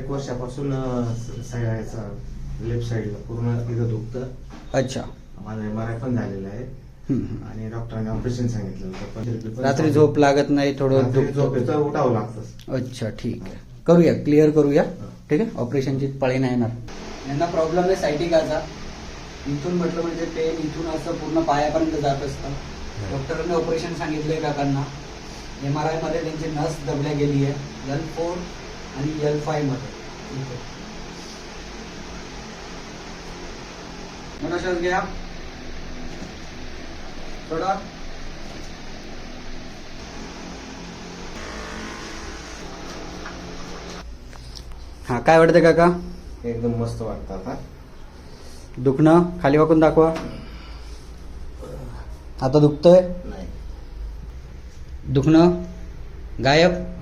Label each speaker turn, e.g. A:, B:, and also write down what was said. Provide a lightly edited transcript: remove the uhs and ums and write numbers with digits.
A: 1 वर्षापासून लेफ्ट साईडला पूर्ण तिथं दुखतं.
B: अच्छा.
A: माझा MRI पण झालेला आहे आणि डॉक्टरांनी ऑपरेशन सांगितलं होतं. पण
B: रात्री झोप लागत नाही, थोडं
A: झोपेचं उठावं लागतं.
B: अच्छा, ठीक आहे. करूया, क्लिअर करूया. ठीक आहे, ऑपरेशनची पळी नाही येणार. यांना प्रॉब्लेम आहे सायटिकाचा. इथून म्हटलं म्हणजे पेन इथून असं पूर्ण पायापर्यंत जात असतं. डॉक्टरांनी ऑपरेशन सांगितलंय काकांना. MRI मध्ये त्यांची नस दबल्या गेली आहे L4 आणि L5 मध्ये. मोठा श्वास घ्या, थोडा. हा, काय वाटतं काका?
A: एकदम मस्त वाटतं आता.
B: दुखणं खाली वाकून दाखवा. आता दुखतंय?
A: नाही.
B: दुखणं गायब?